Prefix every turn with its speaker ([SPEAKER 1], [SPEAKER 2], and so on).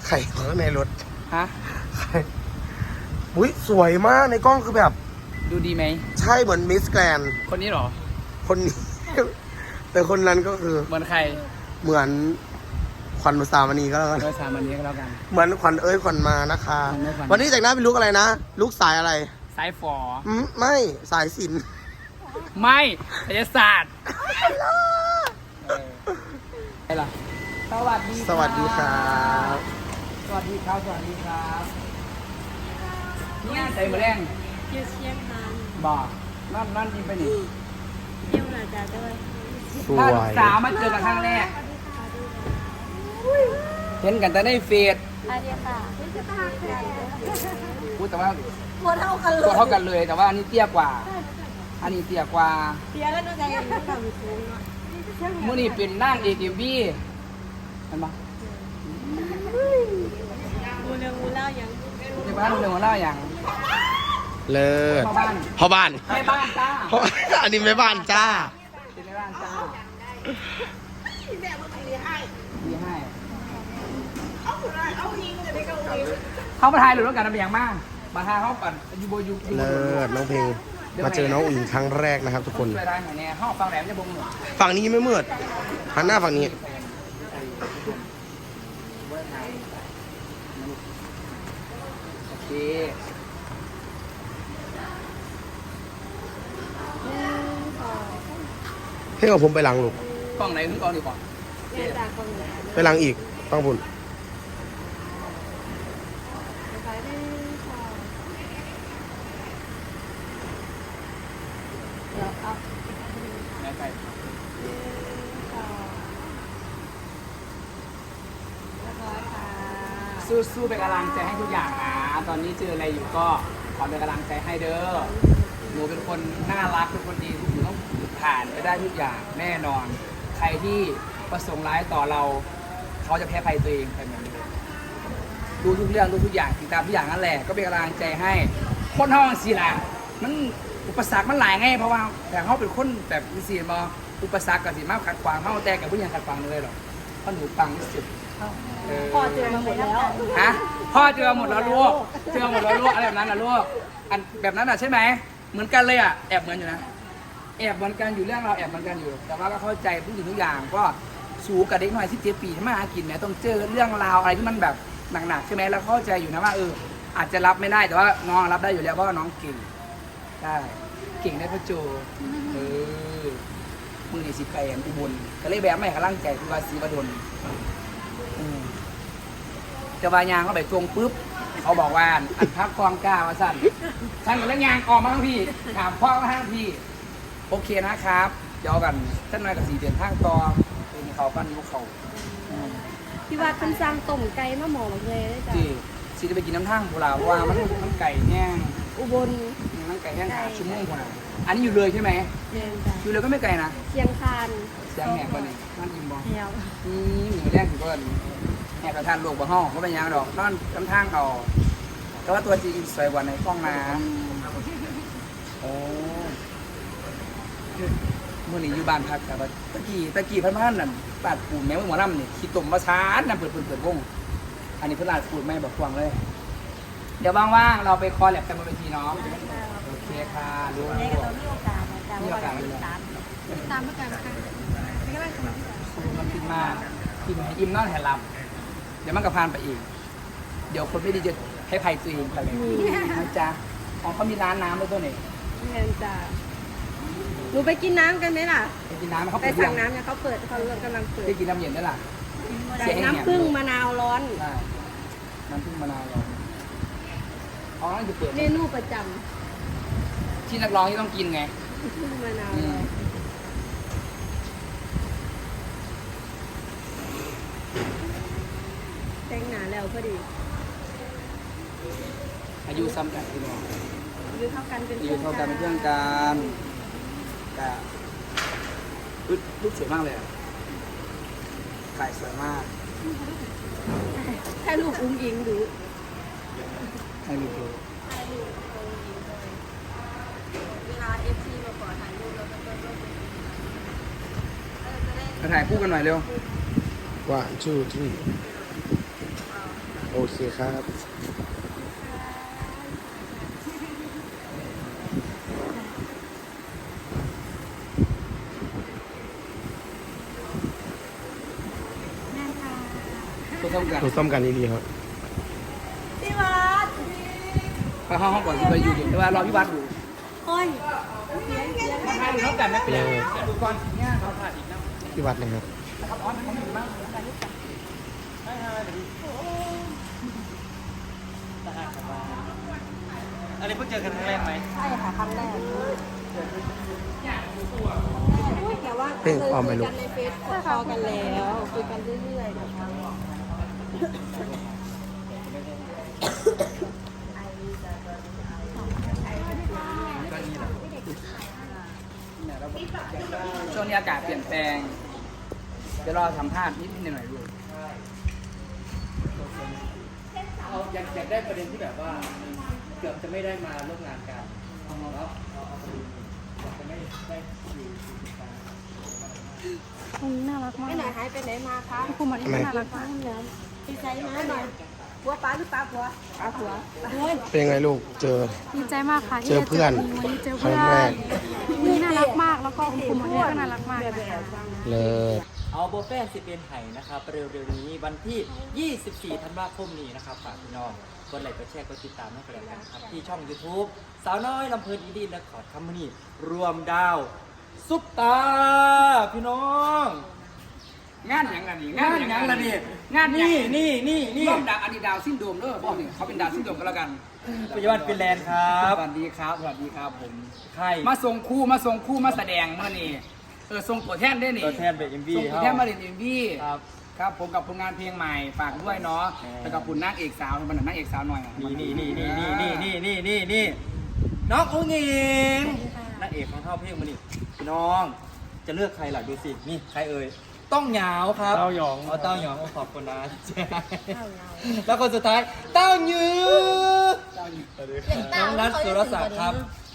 [SPEAKER 1] ใครข้างในรถ
[SPEAKER 2] ฮะ
[SPEAKER 1] ใครอุ้ยสวยมากในกล้องคือแบบ
[SPEAKER 2] ดูดีไหม
[SPEAKER 1] ใช่เหมือนมิสแกรน
[SPEAKER 2] คนนี้เหรอ
[SPEAKER 1] คนนี้ แต่คนนั้นก็คือ
[SPEAKER 2] เหมือนใคร
[SPEAKER 1] เหมือนขวัญอุสามณีก็แล้วกัน
[SPEAKER 2] โดยสามวันนี้ก็แล้วกัน
[SPEAKER 1] เหมือนขวัญขวัญมานะคะ
[SPEAKER 2] ขวัญเอ้ยขวัญ
[SPEAKER 1] วันนี้แต่งหน้าเป็นลุกอะไรนะลุกสายอะไร
[SPEAKER 2] สายฝอ
[SPEAKER 1] ไม่สายสิน
[SPEAKER 2] ไม่ศิลปศาสตร์อะไรล่ะสวัสดี
[SPEAKER 1] สวัสดีครับ
[SPEAKER 2] สวัสดีครับสวัสดีครับเนี่ยใส่หมะแรง
[SPEAKER 3] อยู่เชียงคาน
[SPEAKER 2] บอกนั่นจริงไปนี่
[SPEAKER 3] เยี่ยมอาจารย์ด้วย
[SPEAKER 1] ส
[SPEAKER 2] ถ้า
[SPEAKER 1] วย
[SPEAKER 2] ลูกสาวมาเจอกันครั้งแรกเห็นกันแต่ในเฟซ
[SPEAKER 3] อาเดียค่ะ
[SPEAKER 2] พูดแต่ว่า
[SPEAKER 3] ตัวเท่ากันเล
[SPEAKER 2] ตัวย เท่ากันเลยแต่ว่าอันนี้เตี้ยกว่า อันนี้เตี้ยกว่า
[SPEAKER 3] เสียแล้วด้วยกันยังไม่ทำคุ้งอ่ะ
[SPEAKER 2] มื่อนี้เป็นนั่งเอกเอ็มบีเห็นปะ
[SPEAKER 3] กูเรื่องกูเล่ายัง
[SPEAKER 2] ในบ้านเรื่องของเราอย่าง
[SPEAKER 1] เลิศ
[SPEAKER 2] พ่อบ้าน
[SPEAKER 1] พ่อบ้าน
[SPEAKER 2] แม่บ้านจ้า
[SPEAKER 1] พ่ออันนี้แม่บ้านจ้า
[SPEAKER 2] เป็นแม่บ้านจ้ามีให้เขามาถ่ายหรือว่าการทำอย่างมากมาถ่ายเขาปั่นยูโบยู
[SPEAKER 1] เลิศน้องเพลงมาเจอน้องอุ๋งอิ๋งครั้งแรกนะครับ ทุกคน
[SPEAKER 2] ช่วยได้หน่อยเนี่ยห้องฟังแหลมจะบงหน่อย
[SPEAKER 1] ฝั่งนี้ไม่มืดหันหน้าฝั่งนี้
[SPEAKER 2] โอเค
[SPEAKER 1] ให้เอาผมไปหลังลูก
[SPEAKER 2] กล้องไหนขึ้นกล้องดีกว่า
[SPEAKER 3] เรียนจากคนไหน
[SPEAKER 1] ไปหลังอีกต้องบุญ
[SPEAKER 3] ไปได้ค่ะเดี๋ยวเอา
[SPEAKER 2] ไหนไป สู้ๆเป็นกำลังใจให้ทุกอย่างนะตอนนี้เจออะไรอยู่ก็ขอเป็นกำลังใจให้เด้อหนูเป็นคนน่ารักเป็นคนดีทุกอย่างต้องผ่านไปได้ทุกอย่างแน่นอน ใครที่ประสงค์ร้ายต่อเรา เขาจะแพ้ภัยตัวเองไปเหมือนเดิมดูทุกเรื่องดูทุกอย่างติดตามทุกอย่างนั่นแหละก็เป็นกำลังใจให้คนห้องสีหลามันอุปสรรคมันหลายไงเพราะว่าแต่เขาเป็นคนแบบมีสีมาอุปสรรคกับสีมาขัดขวางเขาแต่กับผู้ยังขัดขวางเลยหรอกเพราะหนูปังที่สุด
[SPEAKER 3] พอเจอมาหมดแล้ว
[SPEAKER 2] ฮะพ่อเจอหมดแล้วลูกเจอหมดแล้วลูกอะไรแบบนั้นนะลูกอันแบบนั้นอ่ะใช่ไหมเหมือนกันเลยอ่ะแอบเหมือนอยู่นะแอบเหมือนกันอยู่เรื่องเราแอบเหมือนกันอยู่ แต่ว่าก็เข้าใจทุกสิ่งทุกอย่างก็สู้กับเด็กหน่อย17 ปีที่มาหากินเนี่ยต้องเจอเรื่องราวอะไรที่มันแบบหนักๆใช่ไหมแล้วเข้าใจอยู่นะว่าอาจจะรับไม่ได้แต่ว่าน้องรับได้อยู่แล้วเพราะว่าน้องเก่งได้เก่งได้พ่อโจมือนี่สิไปแอมอุบลก็เลยแบบไม่กำลังใจคือว่าสีบดลจะวายางเข้าไปตรงปุ๊บเขาบอกว่าอันพักกองกล้ามาสั่นฉันกับเรื่องยางออกมาทั้งพี่ถามพ่อมาทั้งพี่โอเคนะครับเดี๋ยวกันท่านนายกับสีเดือนทางต่อเป็นเขาปั้นยุคเขา
[SPEAKER 3] พี่ว่าคันซังต้มไก่มาหมอเลยได้จ้ะ
[SPEAKER 2] ที่สีจะไปกินน้ำทางโบราณเพราะว่ามันไก่แห้ง
[SPEAKER 3] อุบล
[SPEAKER 2] มันไก่แห้งขาชั่วโมงกว่าอันนี้อยู่เลยใช่ไหม
[SPEAKER 3] เรียนจ้ะ
[SPEAKER 2] อยู่เลยก็ไม่ไกลนะ
[SPEAKER 3] เชียงคาน
[SPEAKER 2] เสียงแหบกว่านี่นั่นอิ่มบ่
[SPEAKER 3] แถว
[SPEAKER 2] หนูแรกถึงก็แหบกระทานลูกบ่ห้องก็เป็นยังดอกนอนกำทางเอาแต่ว่าตัวจริงสวยกว่าในห้องน้ำโอ้มื่อนี้อยู่บ้านพักแต่ว่าตะกี้พันนั่นปาดปูนแม่หมอลำนี่ขี้ตุ่มมาช้านนะเปิดวงอันนี้เพิ่นลาดปูนแม่บอกฟังเลย เดี๋ยวว่างๆเราไปคอแลบกันบนเวทีน้องโอเคค่ะรู้
[SPEAKER 3] ในก็ต้องมีโอกาสนะจ๊ะว่าเราติดตามเพื่อการค่ะไม่ก็ได้ค่ะ
[SPEAKER 2] มันกินมากกินให้อิ่มนอนให้หลับเดี๋ยวมันก็ผ่านไปอีก เดี๋ยวคนไม่ดีจะให้ภัยตัวเองไปเลยนะจ๊ะของเขามีร้านน้ำด้วยตัวนี้
[SPEAKER 3] เรียนจ้ะหนูไปกินน้ำกันไหมล่ะ
[SPEAKER 2] ไปกินน้ำเขา
[SPEAKER 3] ไป
[SPEAKER 2] เปิด
[SPEAKER 3] สั่
[SPEAKER 2] ยัง ง
[SPEAKER 3] น้ำเนี่ยเขาเปิดเขากำลังเปิด
[SPEAKER 2] ได้กินน้ำเย็นด้วยล่ะ
[SPEAKER 3] ใส่น้ำผึ้งมะนาวร้อน
[SPEAKER 2] ได้น้ำผึ้งมะนาวเราเขาต้องจะเปิด
[SPEAKER 3] เมนูประจ
[SPEAKER 2] ที่นักร้องที่ต้องกินไง
[SPEAKER 3] ำผึ้งมะนาว
[SPEAKER 2] อื
[SPEAKER 3] ร้อ
[SPEAKER 2] ม
[SPEAKER 3] นแต่งหนาแล้วพอดี
[SPEAKER 2] อายุซ้ำกันพี่น้อง
[SPEAKER 3] อายุเท่ากันเป็น
[SPEAKER 2] อายุเท่ากันเป็นเพื่อนกันแต่รูปสวยมากเลยอะถ่ายสวยมาก
[SPEAKER 3] แค่ลูกอุ้งอิงดู
[SPEAKER 2] ให้รูปดู
[SPEAKER 3] เวลาเอฟซีมาขอถ่ายรูปแล้วก็ต้อง
[SPEAKER 2] มาถ่ายคู่กันหน่อยเร็ว
[SPEAKER 1] 1 2 3 โอเคครับ
[SPEAKER 3] แม่ค่ะ
[SPEAKER 2] ตัวส้มกัน
[SPEAKER 1] ถูกซ่อมกันดีๆครับ
[SPEAKER 3] พี่วัด
[SPEAKER 2] ไปห้องก่อนที่ไปอยู่เดี๋ยวรอพี่วัดอยู่
[SPEAKER 3] โอ้ยเสียง
[SPEAKER 2] ให้เขากันไม่เป็นไรดูก่อนเนี่ยเขาถ่ายอีกนะ
[SPEAKER 1] ที่วัดนะครับ
[SPEAKER 2] นะครับออนเขาอยู่บ้าง
[SPEAKER 4] อันนี้เพิ่งเจอกันครั้งแรกไหม
[SPEAKER 3] ใช่ค่ะครั้งแรกแต่ว่า
[SPEAKER 1] เพ่งออมไปลูก
[SPEAKER 3] ในเฟซคอกันแล้วคุยกันเรื่อยๆนะคะ
[SPEAKER 2] ช่วงนี้อากาศเปลี่ยนแปลงเดี๋ยวรอสัมภาษณ์นิดหน่อยดู
[SPEAKER 4] เราอยากได้ประเด็นที่แบบว่าเกือบจะไม่ได้มาร่วมงานกันแล้วจะไม่ได้อยู่
[SPEAKER 3] คุณน่ารักมากไม่ไหนหายไปไหนมาคะ
[SPEAKER 5] คุณหมอนี่น่ารักมาก
[SPEAKER 3] ดีใจนะหน่อยผัวป้าหรือป้าผัวป้าผัว
[SPEAKER 1] เป็นยังไงลูก เจอ
[SPEAKER 5] ดีใจมากค่ะที่
[SPEAKER 1] เจอเพื่อน
[SPEAKER 5] วันนี้เจอ
[SPEAKER 1] ครั้
[SPEAKER 5] เพื่
[SPEAKER 1] ง
[SPEAKER 5] อน
[SPEAKER 1] แรก
[SPEAKER 5] นี่น่ารักมากแล้วก็คุณหมอนี่ก็น่ารักมากนะคะ
[SPEAKER 1] เลิศ
[SPEAKER 4] เอาโบแฟนสิเป็นไห่นะครับเร็วๆนี้วันที่ 24 ธันวาคมนี้นะครับฝากพี่น้องกดไลค์กดแชร์กดติดตามให้กันแล้วกันนะครับที่ช่อง YouTube สาวน้อยลำเพลินอินดี้และขอดคัมมานี่รวมดาวซุปตาพี่น้อง
[SPEAKER 2] งานอย่างนั้นนี่
[SPEAKER 4] งานหยังละนี่
[SPEAKER 2] งาน
[SPEAKER 4] นี่
[SPEAKER 2] ร่วมดาวอันนี้ดาวซินโดรมเด้อบอกนี่เขาเป็นดาวซินโดรมก็แล้วกัน
[SPEAKER 4] ปัจจุบันฟินแลนด์ครับ
[SPEAKER 2] สวัสดีครับสวัสดีครับผม
[SPEAKER 4] ใช่
[SPEAKER 2] มาส่งคู่มาแสดงเมื่อนี่ส่งตัวแทนได้นี่
[SPEAKER 4] ตัวแทนเป็น MV
[SPEAKER 2] ส่งตัวแทนมาเล่น MV
[SPEAKER 4] ครับ
[SPEAKER 2] ครับผมกับผลงานเพลงใหม่ฝากด้วยเนาะแล้วกับคุณนางเอกสาวมันนางเอกสาวหน่อย
[SPEAKER 4] นี่น้องอุ้งอิงนางเอกของเท่าเพลงมานี่พี่น้องจะเลือกใครล่ะดูสินี่ใครเอ่ยต้องเหงาครับเต้าหยองเต้าหยองขอบคุณนะแล้วคนสุดท้ายเต้าหยือน้องนัทสุรศักดิ์ครับ